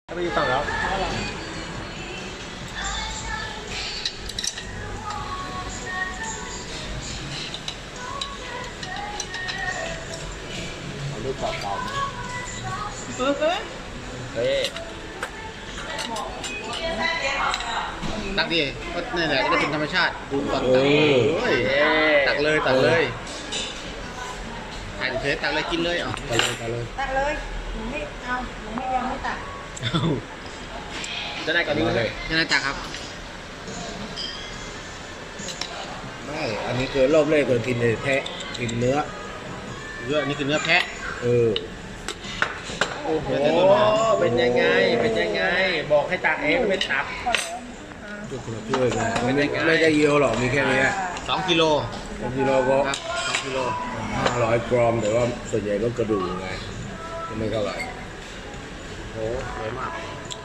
ไม่ได้ตังค์แล้วเอาลูกเก่าๆไหมเฮ้ยตักดิก็นี่แหละก็ได้เป็นธรรมชาติดูตอนตักตักเลยถ่ายเฉยตักเลยกินเลยอ่ะตักเลยหนูไม่เอาหนูไม่ยังไม่ตักจะได้ก่อนนี้เลยจะได้ตักครับไม่อันนี้คือรอบแรกเลยกินแพะกินเนื้ออันนี้คือเนื้อแพะโอ้โหเป็นยังไงบอกให้ตักเองไม่ตักช่วยกันไม่ได้เยอะหรอกมีแค่นี้ 2 กิโลก็ครับ2 กิโล 500 กรัมแต่ว่าส่วนใหญ่ก็กระดูกไงไม่เท่าไหร่โอ้สวยมาก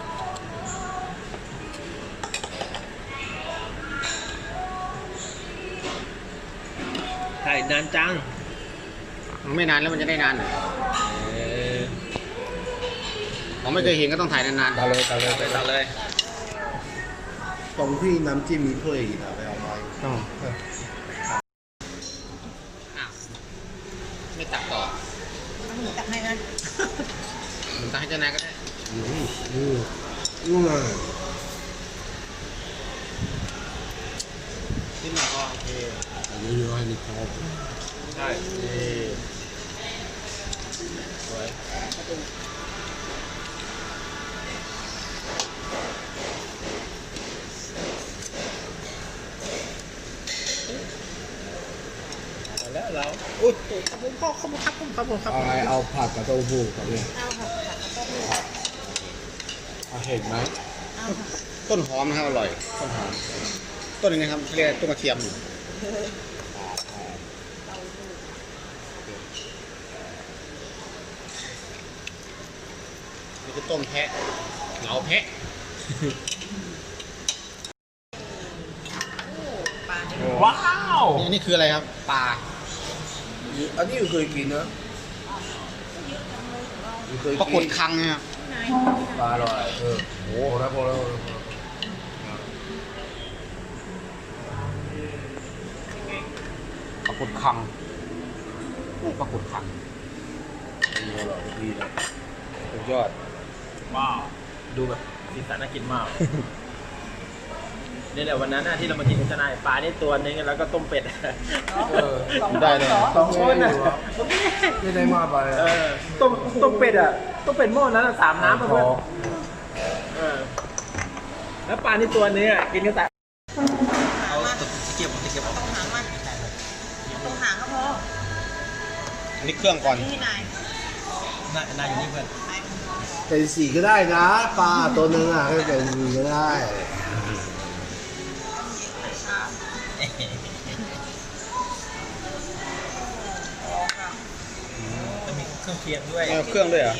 ถ่ายนานจังไม่นานแล้วมันจะได้นานผมไม่เคยเห็นก็ต้องถ่ายนานๆตาเลยตรงที่น้ำจิ้มมีถ้วยอีกนะไปเอาไว้ไม่ตักต่อหนูตักให้นะผมตักให้เจ้านายก็ได้นู่นน่ะนิดหน่อยก็โอเคอันนี้เยอะให้นิดพอใช่สวยแล้วเราอุ้ยขอบคุณพ่อขอบคุณครับอะไรเอาผัดกับเต้าหู้ครับเนี่ยเอาค่ะผัดกับต้มเห็นไหมต้นหอมนะครับอร่อยต้นนี้นะครับเรียกต้นกระเทียมนี่คือต้มแพะเหงาแพะว้าวนี่คืออะไรครับปลาอันนี้เคยกินนะปรากฏคังเนี่ยปลาอร่อยโอ้โหพอแล้วปรากฏคังดีอร่อยดีเลยสุดยอดว้าวดูแบบสีสันน่ากินมากนี่แหละวันนั้นที่เรามากินกับนายปลานี่ตัวนึงแล้วก็ต้มเป็ดได้เลย 2 ช้อนไม่ได้มากไปต้มเป็ดต้มเป็ดหม้อนั้น3 น้ำเพื่อนแล้วปลานี่ตัวนึงกินกันแต่เอาตะเกียบตรงหางมันตรงหางก็พออันนี้เครื่องก่อนนี่นายอยู่นี่เพื่อนเป็น4ก็ได้นะปลาตัวนึงก็เป็น4ก็ได้จะมีเครื่องเคียงด้วยเครื่องด้วยเหรอ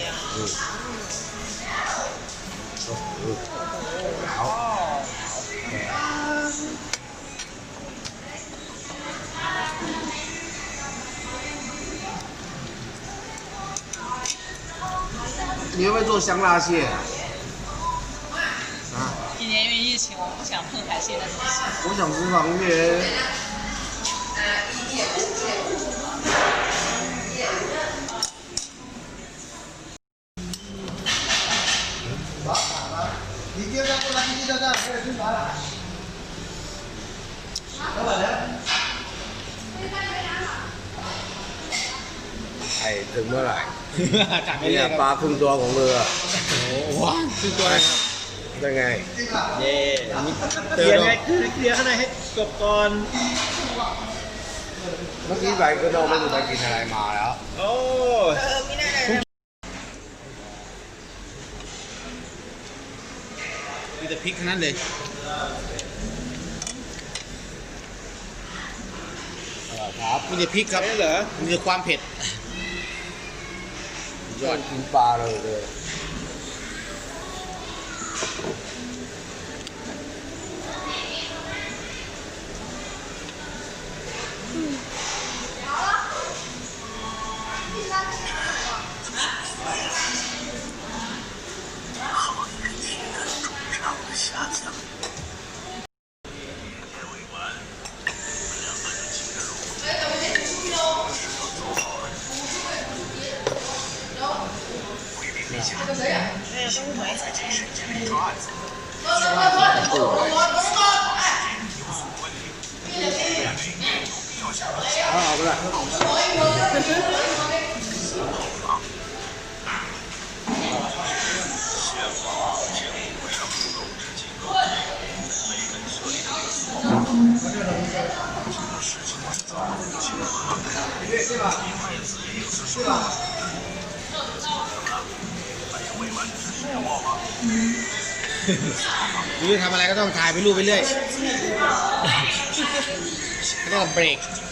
你会不会做香辣蟹？ 今年因为疫情，我不想碰海鲜的东西。 我想吃螃蟹。你接着过来，你接着过来，吃啥了？老板娘。ไอ้ถึงเมื่อไหร่เนี่ยปลาครึ่งตัวของเรือว้าวครึ่งตัวเลยได้ไงเย่เคลียร์ไงเคลียร์ข้างในให้จบก่อนเมื่อกี้ไปก็เราไม่รู้ไปกินอะไรมาแล้วโอ้ไม่ได้เลยมีแต่พริกทั้งนั้นเลยครับมีแต่พริกครับเหรอมีแต่ความเผ็ดยอดกินปลาเลยเอาไปละนี่ทำอะไรก็ต้องถ่ายไปรูปไปเรื่อยเขาเรียกว่าเบรก